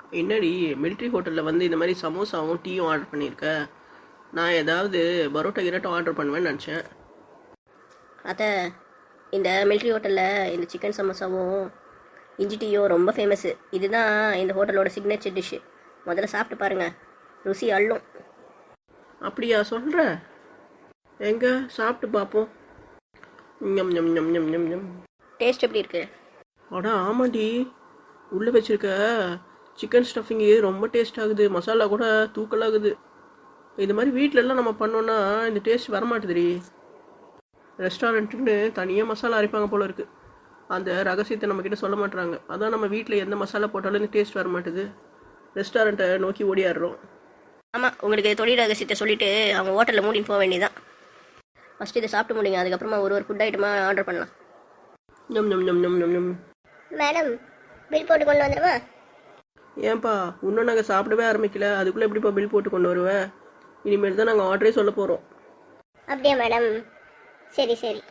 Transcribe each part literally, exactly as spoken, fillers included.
என்னடி மிலிட்ரி ஹோட்டலில் வந்து இந்த மாதிரி சமோசாவும் டீயும் ஆர்டர் பண்ணியிருக்க. நான் ஏதாவது பரோட்டா கிரோட்டா ஆர்டர் பண்ணுவேன்னு நினச்சேன். அத்தை, இந்த மிலிட்ரி ஹோட்டலில் இந்த சிக்கன் சமோசாவும் இஞ்சி டீயும் ரொம்ப ஃபேமஸ்ஸு. இதுதான் இந்த ஹோட்டலோட சிக்னேச்சர் டிஷ்ஷு. முதல்ல சாப்பிட்டு பாருங்கள், ருசி அள்ளும். அப்படியா சொல்கிற? எங்கே சாப்பிட்டு பார்ப்போம். ஞம் ஞம் ஞம் ஞம் ஞம் ஞம். டேஸ்ட் எப்படி இருக்குது? அடா ஆமாண்டி, உள்ளே வச்சுருக்க சிக்கன் ஸ்டஃபிங்கு ரொம்ப டேஸ்ட் ஆகுது. மசாலா கூட தூக்கலாகுது. இது மாதிரி வீட்டிலலாம் நம்ம பண்ணோன்னா இந்த டேஸ்ட் வரமாட்டுதுடி. ரெஸ்டாரண்ட்டுன்னு தனியாக மசாலா அரைப்பாங்க போல இருக்குது. அந்த ரகசியத்தை நம்மக்கிட்ட சொல்ல மாட்டுறாங்க. அதான் நம்ம வீட்டில் எந்த மசாலா போட்டாலும் இந்த டேஸ்ட் வர மாட்டுது. ரெஸ்டாரண்ட்டை நோக்கி ஓடியாடுறோம். ஆமாம், உங்களுக்கு தொழில் ரகசியத்தை சொல்லிவிட்டு அவங்க ஹோட்டலில் மூடின்னு போக வேண்டியதான். ஃபஸ்ட்டு இதை சாப்பிட்டு முடிங்க, அதுக்கப்புறமா ஒரு ஒரு ஃபுட் ஐட்டமாக ஆர்டர் பண்ணலாம். ஞம் ஞம் ஞம் ஞம் ஞம் ஞம். மேடம், பில் போட்டு கொண்டு வந்துடுவா? ஏன்பா இன்னும் நாங்கள் சாப்பிடவே ஆரம்பிக்கல, அதுக்குள்ளே எப்படிப்பா பில் போட்டு கொண்டு வருவேன்? இனிமேல் தான் நாங்கள் ஆர்டரே சொல்ல போகிறோம். அப்படியா மேடம்? சரி சரி.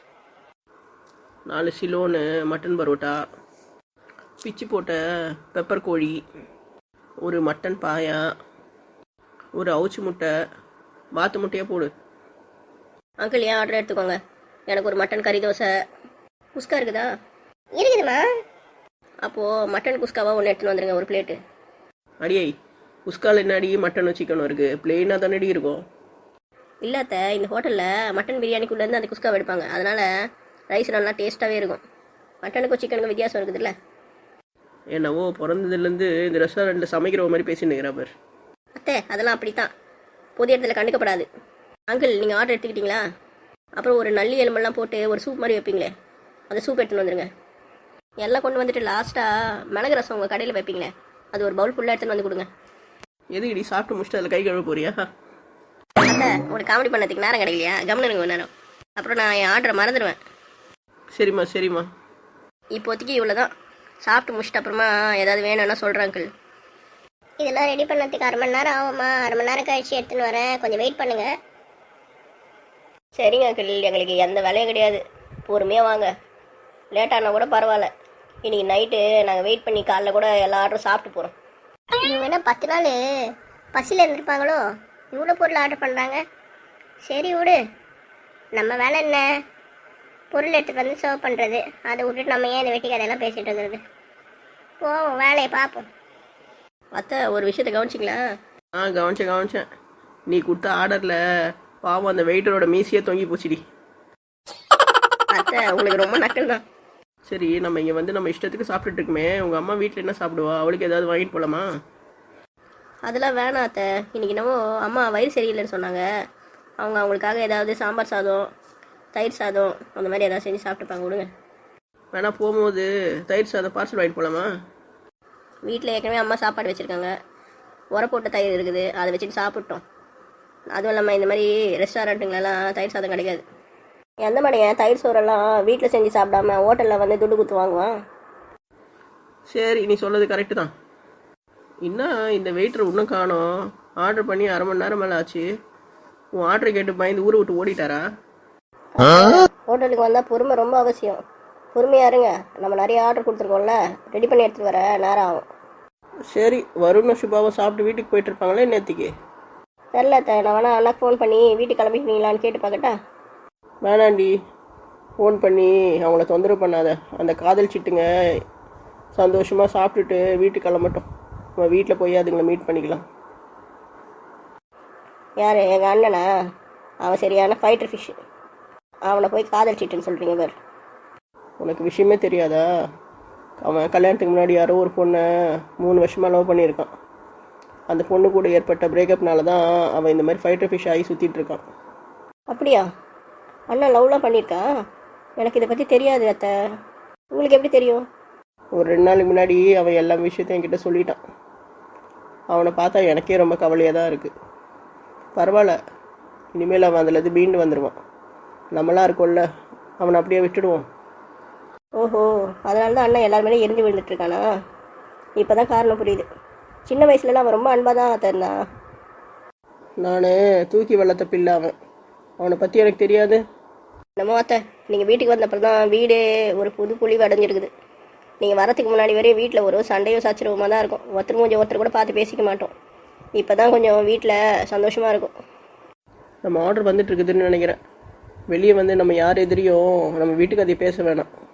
நாலு சிலோனு மட்டன் பரோட்டா, பிச்சு போட்ட பெப்பர் கோழி, ஒரு மட்டன் பாயா, ஒரு அவுச்சி முட்டை, வாத்து முட்டையாக போடு. அங்கிள், ஏன் ஆர்டர் எடுத்துக்கோங்க. எனக்கு ஒரு மட்டன் கறி தோசை. குஸ்கா இருக்குதா? இருக்குதுமா. அப்போது மட்டன் குஸ்காவாக ஒன்று எடுத்துன்னு வந்துடுங்க, ஒரு பிளேட்டு. அடியை, குஸ்கால் என்னடி மட்டனும் சிக்கனும் இருக்குது? பிளெயினாக தானடி இருக்கும். இல்லாத இந்த ஹோட்டலில் மட்டன் பிரியாணிக்குள்ளேருந்து அந்த குஸ்காவை எடுப்பாங்க. அதனால் ரைஸ் நல்லா டேஸ்ட்டாகவே இருக்கும். மட்டனுக்கும் சிக்கனுக்கும் வித்தியாசம் இருக்குதுல்ல. என்னவோ பிறந்ததுலேருந்து இந்த ரெஸ்டாரண்ட்டில் சமைக்கிற மாதிரி பேசின்னு இருக்கிறா பார். அத்தை, அதெல்லாம் அப்படி தான், பொது இடத்துல கண்டுக்கப்படாது. அங்கிள், நீங்கள் ஆர்டர் எடுத்துக்கிட்டீங்களா? அப்புறம் ஒரு நல்லி எலும்பெல்லாம் போட்டு ஒரு சூப் மாதிரி வைப்பீங்களே, அந்த சூப் எடுத்துன்னு வந்துடுங்க. எல்லாம் கொண்டு வந்துட்டு லாஸ்ட்டாக மிளகு ரசம் உங்கள் கடையில் வைப்பீங்களே, அது ஒரு பவுல் ஃபுல்லாக எடுத்துன்னு வந்து கொடுங்க. எதுக்கடி சாப்பிட்டு முடிச்சுட்டு அதில் கை கழுவ போறியா? அத்தை, உங்களுக்கு காமெடி பண்ணதுக்கு நேரம் கிடைக்கலையா? கவனிங்க ஒரு நேரம், அப்புறம் நான் என் ஆர்டரை மறந்துடுவேன். சரிம்மா சரிம்மா. இப்போதைக்கு இவ்வளோ தான். சாப்பிட்டு முடிச்சிட்டு அப்புறமா ஏதாவது வேணும்னா சொல்கிறேன் அங்கிள். இதெல்லாம் ரெடி பண்ணதுக்கு அரை மணி நேரம் ஆகுமா? அரை மணி நேரம் கழிச்சு எடுத்துன்னு வரேன், கொஞ்சம் வெயிட் பண்ணுங்க. சரிங்க அங்கிள், எங்களுக்கு எந்த வேலையும் கிடையாது, பொறுமையாக வாங்க. லேட்டானா கூட பரவாயில்ல. இன்றைக்கி நைட்டு நாங்கள் வெயிட் பண்ணி காலைல கூட எல்லா ஆர்டரும் சாப்பிட்டு போகிறோம். இவங்க என்ன பத்து நாள் பசியில் இருந்திருப்பாங்களோ, இவ்வளோ பொருள் ஆர்டர் பண்ணுறாங்க. சரி விடு, நம்ம வேலை என்ன? பொருள் எடுத்துகிட்டு வந்து சர்வ் பண்ணுறது. அதை விட்டுட்டு நம்ம ஏன் இந்த வெட்டி கதையெல்லாம் பேசிகிட்டு இருக்கிறது? போவோம், வேலையை பார்ப்போம். அத்தை, ஒரு விஷயத்தை கவனிச்சிங்களா? ஆ கவனிச்சேன் கவனிச்சேன். நீ கொடுத்த ஆர்டரில் பாவம் அந்த வெயிட்டரோட மீசியே தொங்கி போச்சுடி. அத்தை, உங்களுக்கு ரொம்ப நக்கல் தான். சரி, நம்ம இங்கே வந்து நம்ம இஷ்டத்துக்கு சாப்பிட்டுட்டு இருக்குமே, உங்கள் அம்மா வீட்டில் என்ன சாப்பிடுவா? அவளுக்கு ஏதாவது வாங்கிட்டு போகலாமா? அதெல்லாம் வேணாம் அத்தை. இன்றைக்கி என்னவோ அம்மா வயிறு சரியில்லைன்னு சொன்னாங்க. அவங்க அவங்களுக்காக ஏதாவது சாம்பார் சாதம், தயிர் சாதம் அந்த மாதிரி ஏதாவது செஞ்சு சாப்பிட்டுப்பாங்க. விடுங்க. வேணா போகும்போது தயிர் சாதம் பார்சல் வாங்கிட்டு போகலாமா? வீட்டில் ஏற்கனவே அம்மா சாப்பாடு வச்சுருக்காங்க, உர போட்ட தயிர் இருக்குது, அதை வச்சுட்டு சாப்பிட்டோம். அதுவும் இல்லாமல் இந்த மாதிரி ரெஸ்டாரண்ட்டுங்களெல்லாம் தயிர் சாதம் கிடைக்காது. எந்த மாதிரியா தயிர் சோறெல்லாம் வீட்டில் செஞ்சு சாப்பிடாம ஹோட்டலில் வந்து துட்டு குத்து வாங்குவான். சரி, நீ சொல்கிறது கரெக்டு தான். இன்னும் இந்த வெயிட்டர் இன்னும் காணோம். ஆர்டர் பண்ணி அரை மணி நேரம் மேலே ஆச்சு. உன் ஆர்டரை கேட்டு பயந்து ஊரை விட்டு ஓடிட்டாரா? ஹோட்டலுக்கு வந்தால் பொறுமை ரொம்ப அவசியம். பொறுமையாக இருங்க, நம்ம நிறைய ஆர்டர் கொடுத்துருக்கோம்ல, ரெடி பண்ணி எடுத்துகிட்டு வர நேரம் ஆகும். சரி, வருணும் சுபாவும் சாப்பிட்டு வீட்டுக்கு போயிட்டு இருப்பாங்களே நேற்றுக்கு. தெரில, நான் வேணா அண்ணாக்கு ஃபோன் பண்ணி வீட்டுக்கு கிளம்பிக்கிறீங்களான்னு கேட்டு பார்க்கட்டா? வேணாண்டி, ஃபோன் பண்ணி அவங்கள தொந்தரவு பண்ணாத. அந்த காதல் சிட்டுங்க சந்தோஷமாக சாப்பிட்டுட்டு வீட்டுக்கு கிளம்பட்டும். நம்ம வீட்டில் போய் அதுங்களை மீட் பண்ணிக்கலாம். யார்? எங்கள் அண்ணனா? அவன் சரியான ஃபைட்டர் ஃபிஷ்ஷு. அவனை போய் காதல் சிட்டுன்னு சொல்கிறீங்க பேர். உனக்கு விஷயமே தெரியாதா? அவன் கல்யாணத்துக்கு முன்னாடி யாரோ ஒரு பொண்ணை மூணு வருஷமாக லவ் பண்ணியிருக்கான். அந்த பொண்ணு கூட ஏற்பட்ட பிரேக்கப்னால தான் அவன் இந்த மாதிரி ஃபைட்டர் ஃபிஷ் ஆகி சுற்றிட்டு இருக்கான். அப்படியா? அண்ணன் லவ்லாம் பண்ணியிருக்கான்? எனக்கு இதை பற்றி தெரியாது அத்தை. உங்களுக்கு எப்படி தெரியும்? ஒரு ரெண்டு நாளுக்கு முன்னாடி அவன் எல்லா விஷயத்தையும் என்கிட்ட சொல்லிட்டான். அவனை பார்த்தா எனக்கே ரொம்ப கவலையாக தான் இருக்குது. பரவாயில்ல, இனிமேல் அவன் அதில் மீண்டு வந்துடுவான். நம்மளாம் இருக்கோம்ல, அவனை அப்படியே விட்டுடுவோம். ஓஹோ, அதனால தான் அண்ணன் எல்லாருமே எரிஞ்சு விழுந்துட்டுருக்கானா? இப்போ தான் காரணம் புரியுது. சின்ன வயசுலலாம் அவன் ரொம்ப அன்பாக தான் அத்தை இருந்தான். நான் தூக்கி வளர்த்த பிள்ளை அவன். அவனை பற்றி எனக்கு தெரியாது. நம்ம அத்தை, நீங்கள் வீட்டுக்கு வந்தப்பறம் தான் வீடே ஒரு புது பொலிவு அடைஞ்சிருக்குது. நீங்கள் வரத்துக்கு முன்னாடி வரையும் வீட்டில் ஒரு சண்டையும் சச்சரவுமா தான் இருக்கும். ஒருத்தர் கொஞ்சம் ஒருத்தர் கூட பார்த்து பேசிக்க மாட்டோம். இப்போ தான் கொஞ்சம் வீட்டில் சந்தோஷமாக இருக்கும். நம்ம ஆர்டர் வந்துட்டு இருக்குதுன்னு நினைக்கிறேன். வெளியே வந்து நம்ம யார் எதிரியும் நம்ம வீட்டுக்கு அதை பேச வேணாம்.